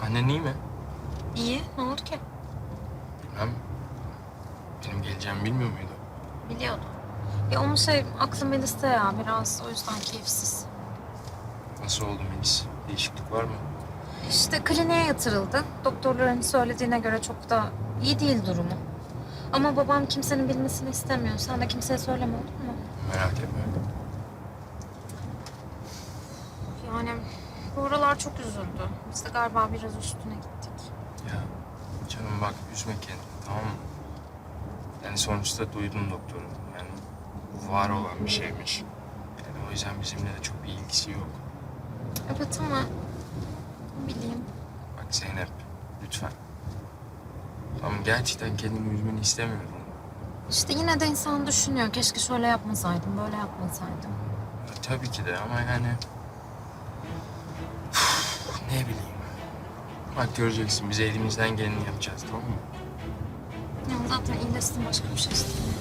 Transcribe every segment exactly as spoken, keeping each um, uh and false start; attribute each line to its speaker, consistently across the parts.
Speaker 1: Annen iyi mi?
Speaker 2: İyi. Ne oldu ki?
Speaker 1: Bilmem. Benim geleceğimi bilmiyor muydu?
Speaker 2: Biliyordum. Ya onun şey aklı Melis'te ya biraz. O yüzden keyifsiz.
Speaker 1: Nasıl oldu Melis? Değişiklik var mı?
Speaker 2: İşte kliniğe yatırıldı. Doktorların söylediğine göre çok da iyi değil durumu. Ama babam kimsenin bilmesini istemiyor. Sen de kimseye söyleme, olur mu?
Speaker 1: Merak etme.
Speaker 2: Yani bu aralar çok üzüldü. Biz de galiba biraz üstüne gittik.
Speaker 1: Ya canım bak üzme kendini, tamam mı? Yani sonuçta duydun doktoru. Yani bu var olan bir şeymiş. Yani o yüzden bizimle de çok bir ilgisi yok.
Speaker 2: Evet ama ne bileyim.
Speaker 1: Bak Zeynep, lütfen. Tamam, gerçekten kendimi üzmeni istemiyorum.
Speaker 2: İşte yine de insan düşünüyor. Keşke şöyle yapmasaydım, böyle yapmasaydım.
Speaker 1: Ya, tabii ki de ama yani... Üf, ne bileyim. Bak göreceksin, biz elimizden geleni yapacağız, tamam mı?
Speaker 2: Ya zaten iyileşsin, başka bir şey istemiyorum.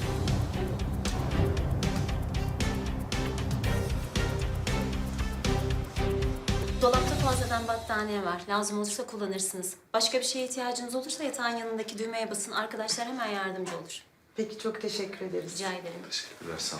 Speaker 3: Dolapta fazladan battaniye var. Lazım olursa kullanırsınız. Başka bir şeye ihtiyacınız olursa yatağın yanındaki düğmeye basın. Arkadaşlar hemen yardımcı olur.
Speaker 4: Peki çok teşekkür ederiz.
Speaker 3: Rica ederim.
Speaker 1: Teşekkürler, sağ ol.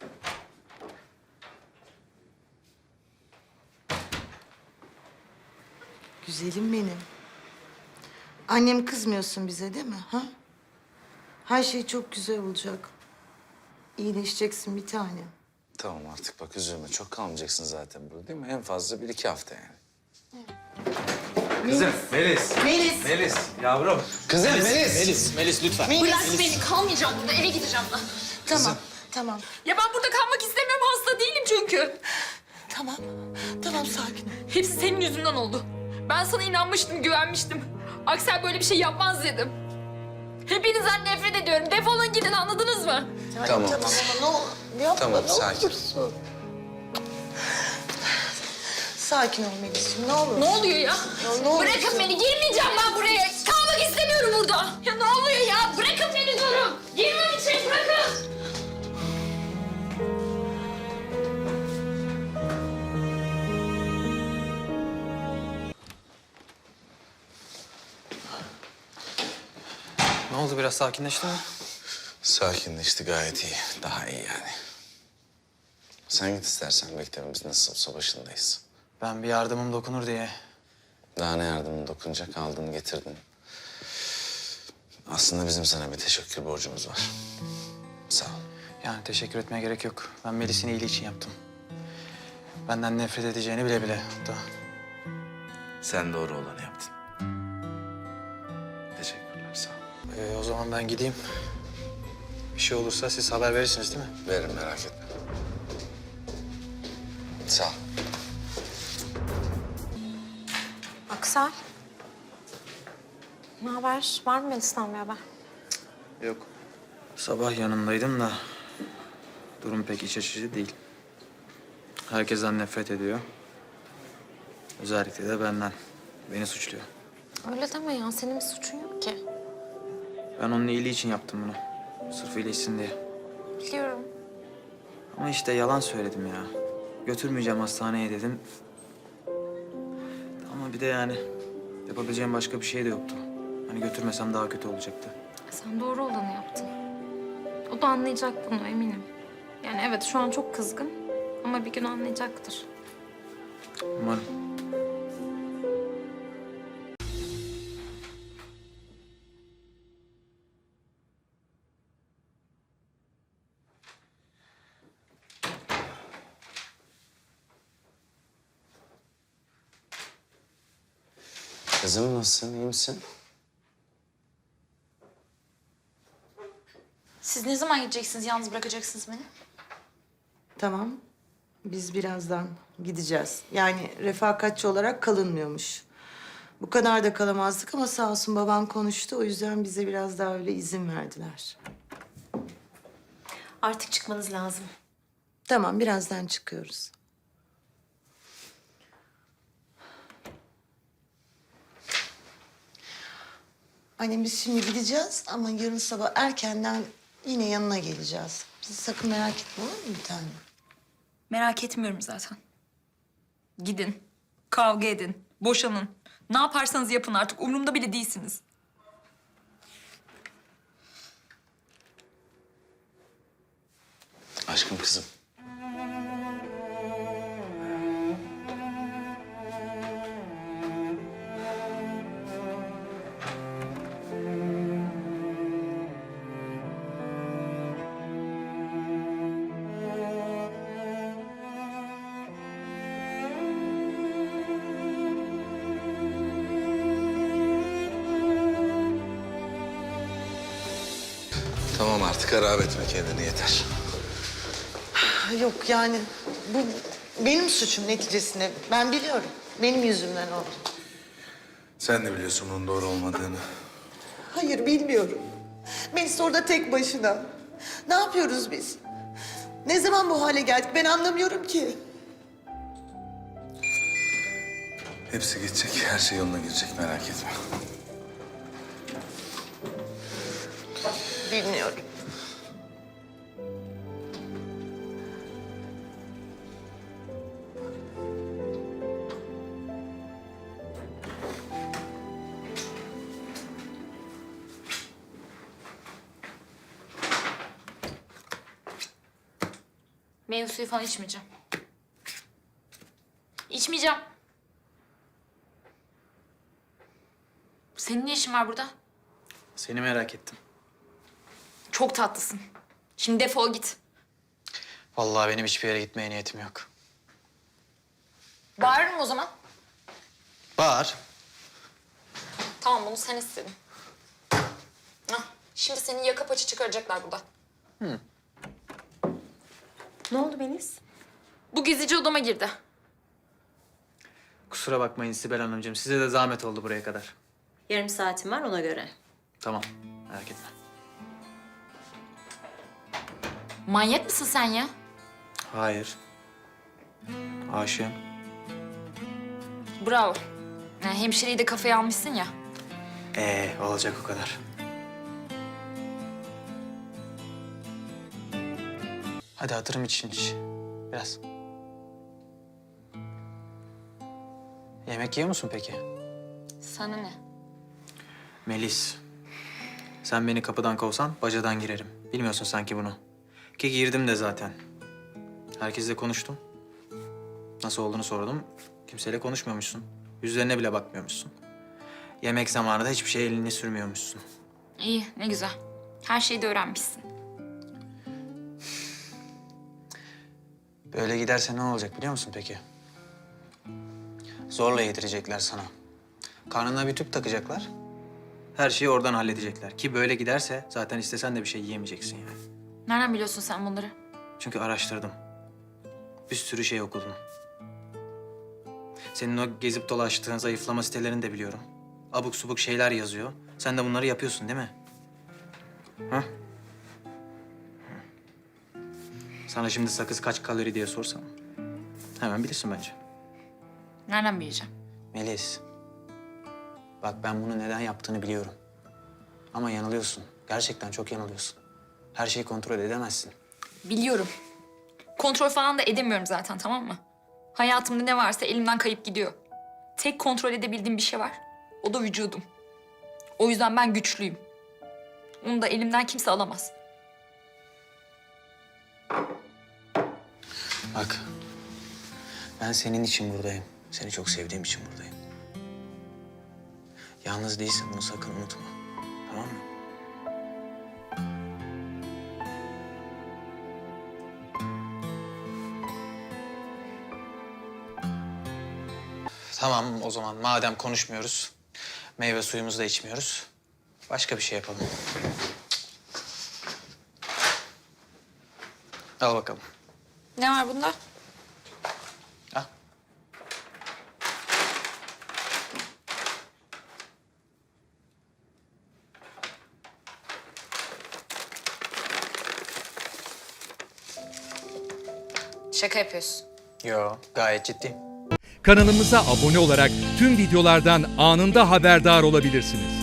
Speaker 4: Güzelim benim. Annem kızmıyorsun bize değil mi? Ha? Her şey çok güzel olacak. İyileşeceksin bir tane.
Speaker 5: Tamam artık bak üzülme. Çok kalmayacaksın zaten burada değil mi? En fazla bir iki hafta yani.
Speaker 6: Kızım Melis.
Speaker 4: Melis.
Speaker 6: Melis yavrum.
Speaker 5: Kızım Melis.
Speaker 6: Melis, Melis lütfen.
Speaker 7: Bırak beni, kalmayacağım burada, eve gideceğim ben.
Speaker 4: Tamam, tamam.
Speaker 7: Ya ben burada kalmak istemiyorum, hasta değilim çünkü.
Speaker 4: Tamam, tamam sakin ol.
Speaker 7: Hepsi senin yüzünden oldu. Ben sana inanmıştım, güvenmiştim. Aksel böyle bir şey yapmaz dedim. Hepinizden nefret ediyorum. Defolun gidin, anladınız mı?
Speaker 5: Tamam.
Speaker 4: Tamam ama ne olur yapma,
Speaker 5: Tamam,
Speaker 4: ne
Speaker 5: sakin.
Speaker 4: olursun. Sakin ol Melis'ciğim, ne olur.
Speaker 7: Ne oluyor ya?
Speaker 4: ne olursun.
Speaker 7: Bırakın beni, girmeyeceğim ben buraya. Kalmak istemiyorum burada. Ya ne oluyor ya? Bırakın beni diyorum. Girmem için bırakın.
Speaker 6: Ne oldu, biraz sakinleşti mi?
Speaker 5: Sakinleşti gayet iyi. Daha iyi yani. Sen git istersen beklerim. Biz nasıl olsa başındayız.
Speaker 6: Ben bir yardımım dokunur diye.
Speaker 5: Daha ne yardımın dokunacak? Aldın getirdin. Aslında bizim sana bir teşekkür borcumuz var. Sağ ol.
Speaker 6: Yani teşekkür etmeye gerek yok. Ben Melis'in iyiliği için yaptım. Benden nefret edeceğini bile bile hatta.
Speaker 5: Sen doğru olanı yaptın. Teşekkürler, sağ ol.
Speaker 6: Ee, o zaman ben gideyim. Bir şey olursa siz haber verirsiniz değil mi?
Speaker 5: Veririm, merak etme. Sağ ol.
Speaker 2: Aksel. Ne haber? Var mı Melis'ten bir haber?
Speaker 6: Yok. Sabah yanındaydım da durum pek iç açıcı değil. Herkesten nefret ediyor. Özellikle de benden. Beni suçluyor.
Speaker 2: Öyle deme ya. Senin bir suçun yok ki.
Speaker 6: Ben onun iyiliği için yaptım bunu. Sırf iyileşsin diye.
Speaker 2: Biliyorum.
Speaker 6: Ama işte yalan söyledim ya. Götürmeyeceğim hastaneye dedim. Ama bir de yani yapabileceğim başka bir şey de yoktu. Hani götürmesem daha kötü olacaktı.
Speaker 2: Sen doğru olanı yaptın. O da anlayacak bunu, eminim. Yani evet, şu an çok kızgın ama bir gün anlayacaktır.
Speaker 6: Umarım.
Speaker 5: Kızım nasılsın, iyi misin?
Speaker 7: Siz ne zaman gideceksiniz, yalnız bırakacaksınız beni?
Speaker 4: Tamam, biz birazdan gideceğiz. Yani refakatçi olarak kalınmıyormuş. Bu kadar da kalamazdık ama sağ olsun babam konuştu. O yüzden bize biraz daha öyle izin verdiler.
Speaker 3: Artık çıkmanız lazım.
Speaker 4: Tamam, birazdan çıkıyoruz. Annem biz şimdi gideceğiz ama yarın sabah erkenden yine yanına geleceğiz. Bizi sakın merak etme, olur mu bir tane?
Speaker 7: Merak etmiyorum zaten. Gidin, kavga edin, boşanın. Ne yaparsanız yapın artık. Umurumda bile değilsiniz.
Speaker 5: Aşkım kızım. Tamam artık harap etme kendini yeter.
Speaker 4: Yok yani bu benim suçum neticesinde. Ben biliyorum. Benim yüzümden oldu.
Speaker 5: Sen de biliyorsun bunun doğru olmadığını.
Speaker 4: Hayır bilmiyorum. Melis orada tek başına. Ne yapıyoruz biz? Ne zaman bu hale geldik ben anlamıyorum ki.
Speaker 5: Hepsi gidecek, her şey yoluna girecek merak etme.
Speaker 4: Bilmiyorum.
Speaker 7: Meyve suyu falan içmeyeceğim. İçmeyeceğim. Senin ne işin var burada?
Speaker 6: Seni merak ettim.
Speaker 7: Çok tatlısın. Şimdi defol git.
Speaker 6: Vallahi benim hiçbir yere gitmeye niyetim yok.
Speaker 7: Bağırırım o zaman.
Speaker 6: Bağır.
Speaker 7: Tamam bunu sen istedin. Hah, şimdi seni yaka paça çıkaracaklar burada.
Speaker 3: Ne oldu Melis?
Speaker 7: Bu gezici odama girdi.
Speaker 6: Kusura bakmayın Sibel Hanımcığım. Size de zahmet oldu buraya kadar.
Speaker 3: Yarım saatim var ona göre.
Speaker 6: Tamam, merak etme.
Speaker 7: Manyak mısın sen ya?
Speaker 6: Hayır. Aşığım.
Speaker 7: Bravo. Yani hemşireyi de kafaya almışsın ya.
Speaker 6: Ee, olacak o kadar. Hadi hatırım için iç. Biraz. Yemek yiyor musun peki?
Speaker 7: Sana ne?
Speaker 6: Melis. Sen beni kapıdan kovsan bacadan girerim. Bilmiyorsun sanki bunu. Ki girdim de zaten. Herkesle konuştum. Nasıl olduğunu sordum. Kimseyle konuşmuyormuşsun. Yüzlerine bile bakmıyormuşsun. Yemek zamanı da hiçbir şey elini sürmüyormuşsun.
Speaker 7: İyi, ne güzel. Her şeyi de öğrenmişsin.
Speaker 6: Böyle giderse ne olacak biliyor musun peki? Zorla yedirecekler sana. Karnına bir tüp takacaklar. Her şeyi oradan halledecekler. Ki böyle giderse zaten istesen de bir şey yiyemeyeceksin yani.
Speaker 7: Nereden biliyorsun sen bunları?
Speaker 6: Çünkü araştırdım. Bir sürü şey okudum. Senin o gezip dolaştığın zayıflama sitelerini de biliyorum. Abuk subuk şeyler yazıyor. Sen de bunları yapıyorsun değil mi? Ha? Sana şimdi sakız kaç kalori diye sorsam hemen bilirsin bence.
Speaker 7: Nereden bileceğim?
Speaker 6: Melis, bak ben bunu neden yaptığını biliyorum. Ama yanılıyorsun. Gerçekten çok yanılıyorsun. Her şeyi kontrol edemezsin.
Speaker 7: Biliyorum. Kontrol falan da edemiyorum zaten, tamam mı? Hayatımda ne varsa elimden kayıp gidiyor. Tek kontrol edebildiğim bir şey var. O da vücudum. O yüzden ben güçlüyüm. Onu da elimden kimse alamaz.
Speaker 6: Bak, ben senin için buradayım. Seni çok sevdiğim için buradayım. Yalnız değilsin, bunu sakın unutma. Tamam mı? Tamam, o zaman madem konuşmuyoruz, meyve suyumuzu da içmiyoruz. Başka bir şey yapalım. Al bakalım.
Speaker 7: Ne var bunda?
Speaker 6: Al.
Speaker 7: Şaka yapıyorsun.
Speaker 6: Yo, gayet ciddiyim.
Speaker 8: Kanalımıza abone olarak tüm videolardan anında haberdar olabilirsiniz.